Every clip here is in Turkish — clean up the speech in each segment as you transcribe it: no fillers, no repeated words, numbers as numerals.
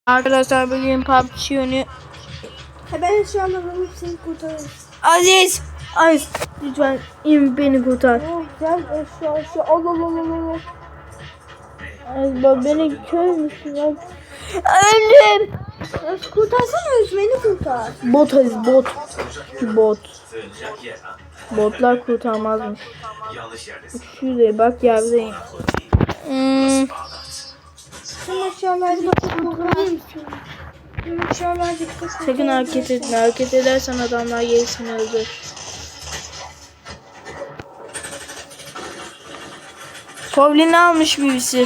Arkadaşlar bugün PUBG oyunu. Ben şu anda bunu seni kurtarırım. Aziz lütfen in beni kurtar. Oh gel şu al. Aziz beni kör müsün ya? Öldüm. Kurtarsana beni kurtar. Bot Aziz bot. Botlar kurtarmazmış. Şuraya bak yerdeyim. Sen aşağılarda kurtarır mısın? Aşağılarda dikkat et. Sakın hareket etme. Hareket edersen adamlar gerisini öldür. Kovlini almış birisi.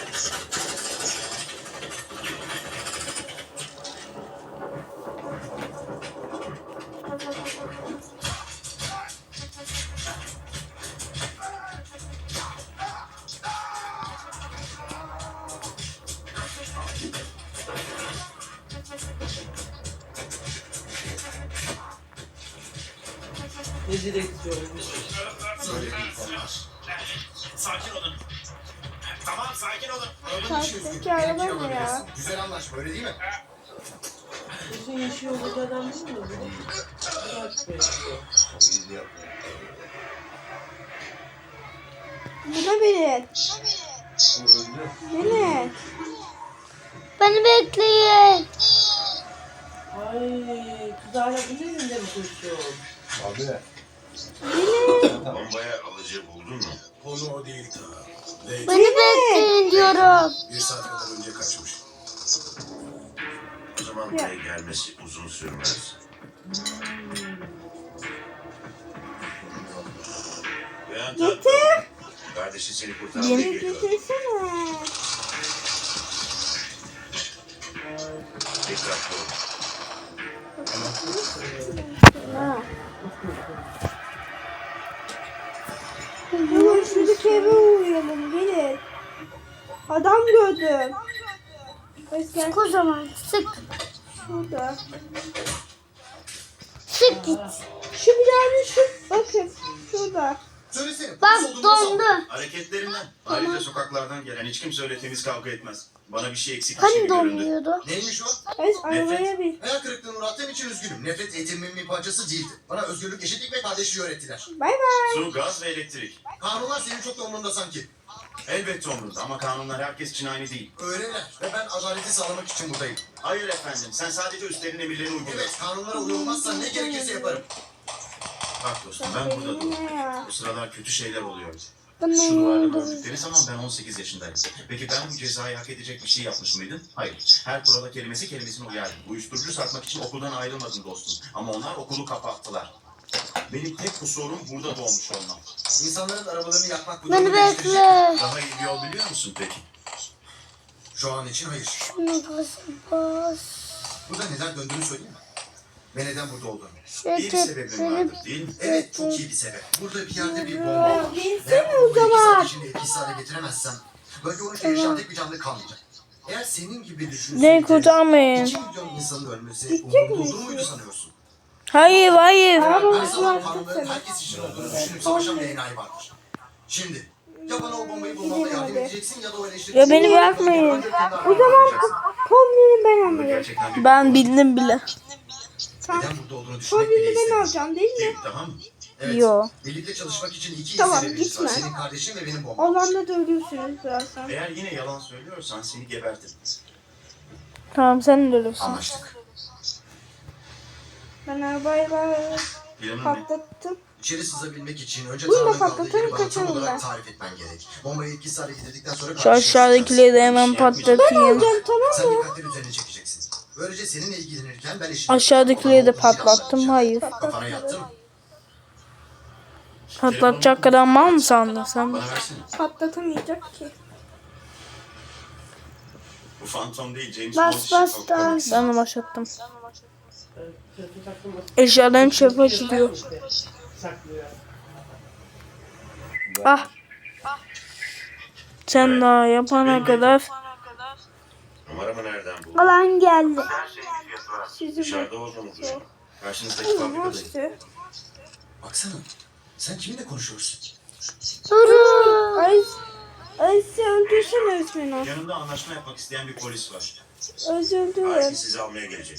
Ne direksiyon? Sakin olun. Tamam sakin olun. Karşıdaki araba ne ya? Güzel anlaşma öyle değil mi? Uzun yaşıyor bu adam değil mi? Buna beni. Beni. Beni bekleyin. Ay, kız hala bunun elinde mi koşuyor? Abi. Bombaya alıcı buldun mu? Konu o değil ta. Beni bekleyin diyorum. Bir saat kadar önce kaçmış. O zaman buraya gelmesi uzun sürmez. Getir. Kardeşi seni kurtarmaya Yeni geliyor. Getirsene. Dikkatli ol. Ha. Hemen şuradaki eve uğrayalım. Gelin. Adam gördüm. Sık O zaman sık. şurada. Sık git. Şu bir tane şu. Bakın. Şurada. Söylesene. Bak polis olduğunu dondu. sal. Hareketlerinden. Ayrıca sokaklardan gelen hiç kimse öyle temiz kavga etmez. Bana bir şey eksik bir şey Hani göründü. donmuyordu? Neymiş o? Evet arabaya bin. Hayal kırıklığına uğrattığım için üzgünüm. Nefret eğitimimin bir parçası değildi. Bana özgürlük, eşitlik ve kardeşliği öğrettiler. Bay bay. Su, gaz ve elektrik. Kanunlar senin çok da umurunda sanki. Elbette umurumda ama kanunlar herkes için aynı değil. Öğrenirler ve ben adaleti sağlamak için buradayım. Hayır efendim, sen sadece üstlerin emirlerini uygula. Evet, kanunlara uyulmazsa ne gerekirse yaparım. Bak dostum, ben burada Ne doğdum. ya? Bu sıralar kötü şeyler oluyor. Bana Şu duvarda oldu. gördükleri zaman ben 18 yaşındayım. Peki ben bu cezayı hak edecek bir şey yapmış mıydım? Hayır. Her kurala kelimesine uyardım. Uyuşturucu satmak için okuldan ayrılmadım dostum. Ama onlar okulu kapattılar. Benim tek kusurum burada doğmuş olmam. İnsanların arabalarını yakmak bu Beni durumu değiştirecek. bekle. Daha iyi bir yol biliyor musun peki? Şu an için hayır. Şunu bas. Burada neden döndüğünü söyleyeyim mi? Ve neden burada olduğunu. İyi bir sebebin vardır değil mi? Evet, çok iyi bir sebep. Burada bir yerde bir bomba var. Binsene Ve o onu bu 2 zaman. saat içinde etkisiz hale getiremezsem, bölge olunca yaşayan tek bir canlı kalmayacak. Eğer senin gibi Beni düşünseydi, kurtarmayın. 2 milyon insanın ölmesi Gidecek umurunda misin? olur muydu sanıyorsun? Hayır. Araba Her zaman kanunların başlattı. herkes için olduğunu düşünüp savaşan bir enayi vardır. Şimdi ya bana o bombayı bulmamda yardım edeceksin ya da o eleştireceksin. Ya beni bırakmayın. O zaman kombini ben Bunu alayım. gerçekten bir Ben bildim bile. Neden burada olduğunu düşünmek bile Kombini ben istedim. alacağım değil mi? değil, tamam mı? Evet. Yo. Birlikte çalışmak için iki Tamam, sebebimiz var. gitme. Senin kardeşin ve benim bombam. Alanda da ölürsünüz birazdan. Eğer yine yalan söylüyorsan seni gebertirim. Tamam sen de ölürsün. Anlaştık. Ben arabayı Planın ne? patlattım. İçeri sızabilmek için önce Bunu da Tanrı'nın kaldığı patlatalım, yeri bana tam kaçalım olarak ben. tarif etmen gerek. Bombayı etkisiz hale getirdikten sonra Şu aşağıdakileri de hemen patlatayım. Alacağım tamam Sen mı? dikkatleri üzerine çekeceksin. Böylece seninle ilgilenirken ben eşim. Aşağıdakileri de patlattım. Hayır. Kafana yattı mı? Patlatacak kadar mal mı sandın sen? Bana versene. Patlatamayacak ki. Bu Phantom değil, James Bas Bond bas işi. dans. Ben de başlattım. Kötü takılmasın. Eşyaların çöpe açılıyor. Saklıyor. Ah. Sen daha yapana kadar Numaramı nereden buldun? alan geldi. Her şeyin bir fiyatı var. Sizi Dışarıda olduğunu düşün. Karşınızdaki fabrikadayım. işte. Baksana. Sen kiminle konuşuyorsun? Durun. Ay sen öldürsene Özmen o. Yanımda anlaşma yapmak isteyen bir polis var. Üzüldüm. Ailesi sizi almaya gelecek.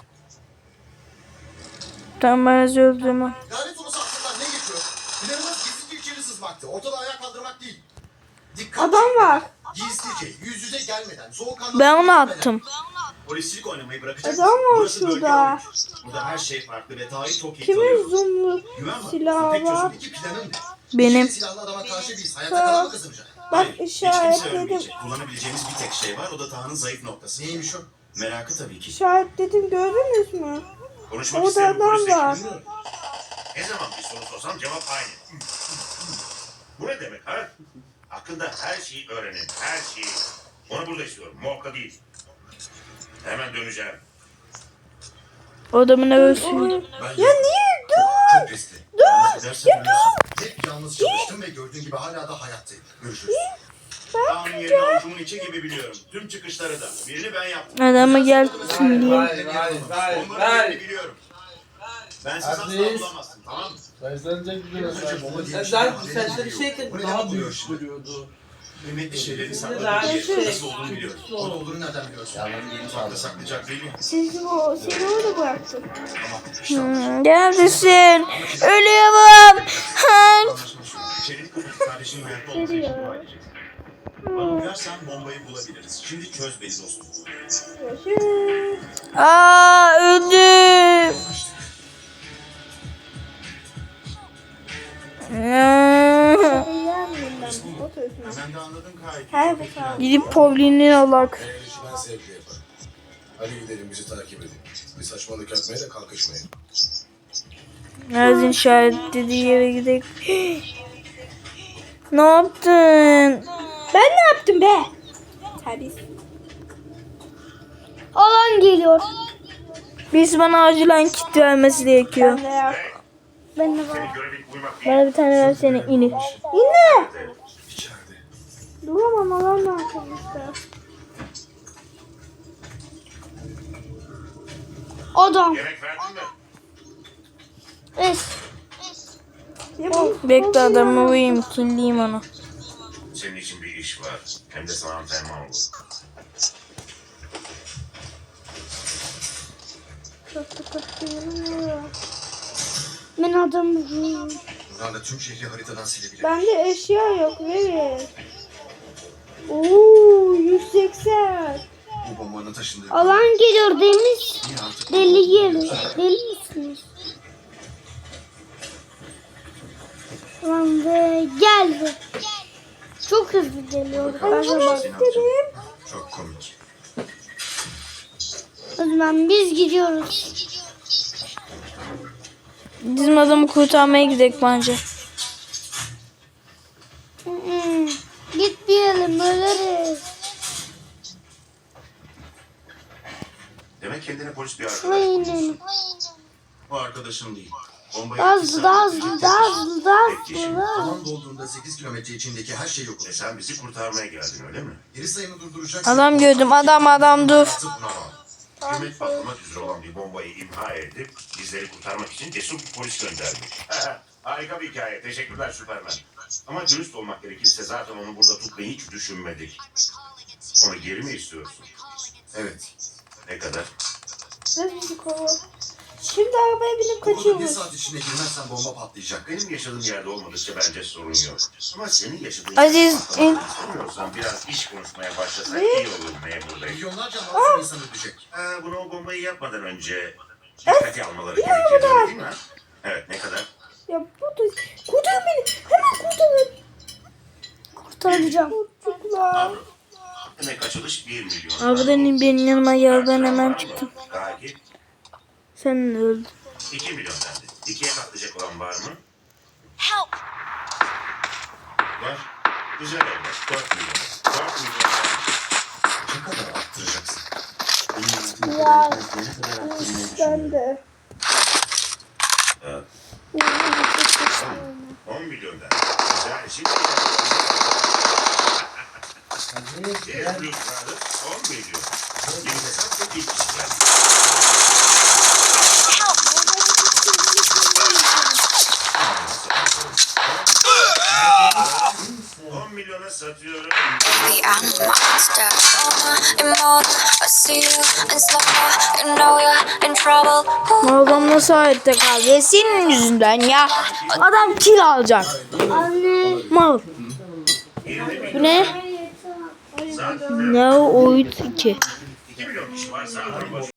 Tamam ben üzüldüm. Lanet olası aklından ne geçiyor? Planımız gizlice içeri sızmaktı. Ortada ayağa kaldırmak değil. Dikkat Adam çekmeden, var. Gizlice, yüz yüze gelmeden, soğukkanlı... Ben onu attım. Polisçilik oynamayı bırakacaksın. Adam var Burası bölge şurada. oyunu. Burada her şey farklı ve tarihi çok iyi Kimin tanıyoruz. zoomlu Güven var. silahı Tek var? çözüm iki planın ne? Benim. İçeri silahlı adama karşı biz hayatta kalan mı kazanacak? Bak Hayır, hiç kimse işaretledim. ölmeyecek. Kullanabileceğimiz bir tek şey var. O da Taha'nın zayıf noktası. Neymiş o? Merakı tabii ki. İşaretledim gördünüz mü? Konuşmak Orada isteyen adam polis var. ekibini- Ne zaman bir soru sorsam cevap aynı. Bu ne demek ha? Hakkında her şeyi öğrenin. Her şeyi. Onu burada istiyorum. Morg'da değil. Hemen döneceğim. O adamın eve suyu. Ben Ya niye? Dur. çok riskli. Yalnız gidersen ölürsün. Hep yalnız çalıştım ve gördüğün gibi hala da hayattayım. Görüşürüz. Taha'nın yerini avucumun içi gibi biliyorum. Tüm çıkışları da. Birini ben yaptım. Adama gel söyleyeyim. Onların yerini biliyorum. Ben siz asla Aziz. bulamazsın. Tamam mı? Başlanacak bir Önce bomba diye bir Sen şeyden sen haberimiz bir şey yok. Bu ki neden daha oluyor büyük şimdi? duruyordu. Kıymetli şeyleri Daha sakladığı yerin şey. nasıl olduğunu biliyorum. Orada olduğunu nereden biliyorsun? Mutfakta saklayacak değil ya. Sizi orada bıraktım. Ama işte anlaşıldı. Neredesin? Ölüyorum. Hank. Anlaşma şu. İçeri kardeşinin hayatta olması için dua edeceksin. Bana uyarsan bombayı bulabiliriz. Şimdi çöz beni dostum. Görüşürüz. Aa öldüm. Eğlenmeyeyim ben. Otursun. Sen de anladın gayet. Her bu sağ. Gidip Pauline'in alak. Eğer işi ben zevkle yaparım. Hadi gidelim bizi takip edin. Bir saçmalık yapmaya da kalkışmayın. Nazin işaretlediği yere gidelim. Ne yaptın? Ben ne yaptım be? Terbiyesiz. Alan geliyor. Biz bana acilen kit vermesi gerekiyor. Ben de yok. Ben de var. Senin görevin uyumak değil. Bana bir tane versene ini. Yine. İçeride. Duramam alan ne yapmıştı? Adam. Yemek verdin mi? Es. Ya bu- Bekle adamı vurayım, killeyim onu. Senin için bir iş var. Hem de sana antrenman olur. Çok dikkatli. Ben adamı vuruyorum. Buradan da tüm şehri haritadan silebilirim. Bende eşya yok verin. Oo 180. Bu bombanın taşındığı... Alan geliyor demiş. Niye artık? Deli gelir. Deli misiniz? Alan ve geldi. Çok hızlı geliyor. Ben de bak. Seni alacağım. Çok komik. O zaman biz gidiyoruz. Bizim adamı kurtarmaya gidelim bence. Gitmeyelim ölürüz. Demek kendine polis bir Şuraya arkadaş buluyorsun. inelim. O arkadaşın değil. Bombayı Daha iki hızlı, saat daha önce hızlı, daha hızlı, daha hızlı. Alan dolduğunda 8 kilometre içindeki her şey yok E olacak. sen bizi kurtarmaya geldin öyle mi? Geri sayımı durduracaksın. Adam gördüm, adam dur. Artık buna bak. Hükümet patlamak üzere olan bir bombayı imha edip bizleri kurtarmak için cesur bir polis gönderdi. Harika bir hikaye. Teşekkürler Süpermen. Ama dürüst olmak gerekirse zaten onu burada tutmayı hiç düşünmedik. Onu geri mi istiyorsun? Evet. Ne kadar? Ne bizi kova. Şimdi arabaya binip Okulda bir kaçıyormuş. saat içinde girmezsen bomba patlayacak. Benim yaşadığım yerde olmadıkça bence sorun yok. Ama senin yaşadığın Aziz, yerde patlamak istemiyorsan biraz iş konuşmaya başlasak iyi olur memur bey. Milyonlarca masum insan ölecek. Bunu o bombayı yapmadan önce dikkate almaları gerekiyor değil mi? Evet ne kadar? Ya bu da... Kurtarın beni. Hemen kurtarın. Kurtaracağım. Çocuklar. Avro. Demek açılış 1 milyon. Abi benim yanıma gel, ben hemen çıktım. Belki Sen de öldün. 2 milyon dendi. 2'ye katlayacak olan var mı? Var. Güzel evlat. 4 milyon. 4 milyon. Ne kadar arttıracaksın? Ya. Ben de. Evet. 10 milyon dendi. Güzel. Şimdi bir büyük vardı. 10 milyon. Yeni hesap ve ilk kişi geldi. $10 milyona satıyorum. Baby, I'm a monster. Immortal, a see you in slow-mo, you know you're in trouble. Adam nasıl hayatta kaldı? Senin yüzünden ya. Adam kill alacak. Anne. Mal. Bu ne? Ne o 2?